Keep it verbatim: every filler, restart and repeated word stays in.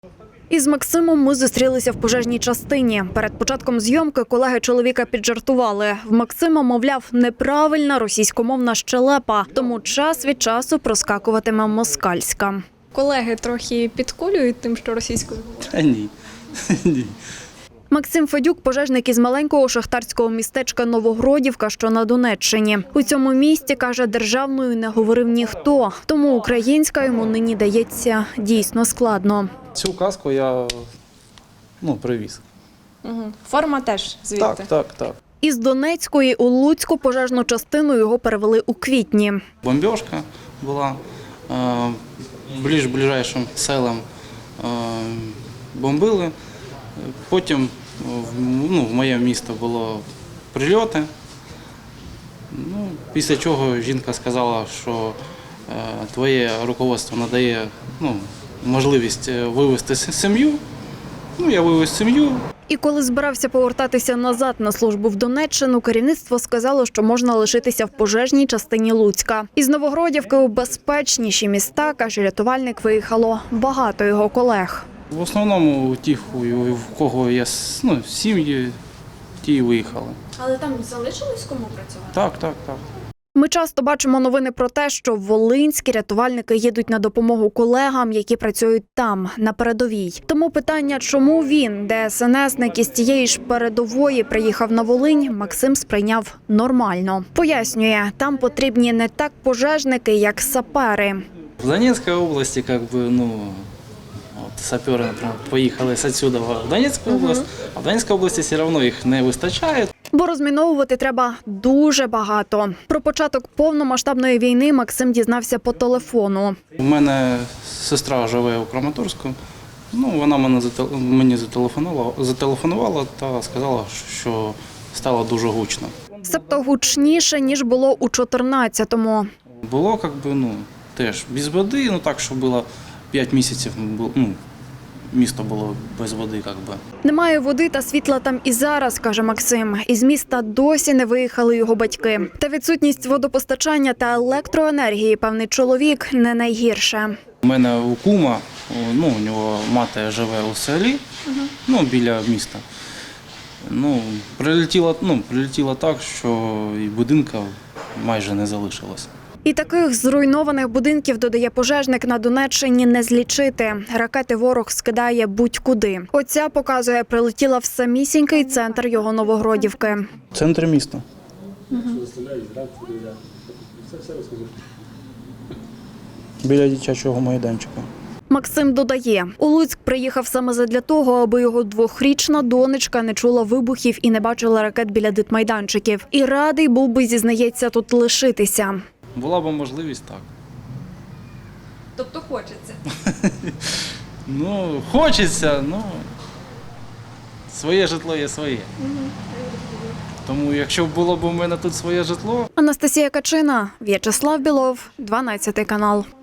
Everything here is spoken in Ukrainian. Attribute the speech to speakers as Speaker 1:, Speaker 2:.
Speaker 1: Із Максимом ми зустрілися в пожежній частині. Перед початком зйомки колеги чоловіка піджартували. В Максима, мовляв, неправильна російськомовна щелепа, тому час від часу проскакуватиме москальська.
Speaker 2: Колеги трохи підколюють тим, що російською говорять?
Speaker 3: Та ні. Ні.
Speaker 1: Максим Федюк – пожежник із маленького шахтарського містечка Новогродівка, що на Донеччині. У цьому місті, каже, державною не говорив ніхто, тому українська йому нині дається дійсно складно.
Speaker 3: Цю каску я ну, привіз.
Speaker 2: Угу. Форма теж звідти?
Speaker 3: Так, так, так.
Speaker 1: Із Донецької у Луцьку пожежну частину його перевели у квітні.
Speaker 3: Бомбіжка була, е, ближ ближайшим селам е, бомбили. Потім ну, в моє місто було прильоти. Ну, після чого жінка сказала, що е, твоє руководство надає ну, можливість вивезти сім'ю. Ну, я вивез сім'ю.
Speaker 1: І коли збирався повертатися назад на службу в Донеччину, керівництво сказало, що можна лишитися в пожежній частині Луцька. Із Новогродівки у безпечніші міста, каже рятувальник, виїхало багато його колег.
Speaker 3: В основному ті, в кого є ну, сім'ї, ті і виїхали.
Speaker 2: Але там залишилось кому працювати?
Speaker 3: Так, так, так.
Speaker 1: Ми часто бачимо новини про те, що волинські рятувальники їдуть на допомогу колегам, які працюють там, на передовій. Тому питання, чому він, ДСНСник із тієї ж передової, приїхав на Волинь, Максим сприйняв нормально. Пояснює, там потрібні не так пожежники, як сапери.
Speaker 3: В Донецкой области, как бы, ну, вот, саперы, например, поїхали з отсюда в Донецьку область, а в Донецькій області все одно їх не вистачає.
Speaker 1: Бо розміновувати треба дуже багато. Про початок повномасштабної війни Максим дізнався по телефону.
Speaker 3: У мене сестра живе у Краматорську, ну, вона мене зателе- мені зателефонувала, зателефонувала та сказала, що стало дуже гучно.
Speaker 1: Себто гучніше, ніж було у чотирнадцятому.
Speaker 3: Було, как би, ну, теж без води, ну так, що було п'ять місяців, ну, місто було без води, як би.
Speaker 1: Немає води та світла там і зараз, каже Максим. Із міста досі не виїхали його батьки. Та відсутність водопостачання та електроенергії, певний чоловік, не найгірше.
Speaker 3: У мене у кума, ну, у нього мати живе у селі, ну, біля міста. Ну, прилетіло, ну, прилетіло так, що і будинка майже не залишилось.
Speaker 1: І таких зруйнованих будинків, додає пожежник, на Донеччині не злічити. Ракети ворог скидає будь-куди. Оця, показує, прилетіла в самісінький центр його Новогродівки.
Speaker 3: Центр міста.
Speaker 1: Угу.
Speaker 3: Біля дитячого майданчика.
Speaker 1: Максим додає, у Луцьк приїхав саме задля того, аби його двохрічна донечка не чула вибухів і не бачила ракет біля дитмайданчиків. І радий був би, зізнається, тут лишитися.
Speaker 3: Була б можливість, так.
Speaker 2: Тобто хочеться?
Speaker 3: Ну, хочеться, ну, своє житло є своє. Тому якщо було б у мене тут своє житло…
Speaker 1: Анастасія Качина, В'ячеслав Білов, дванадцятий канал.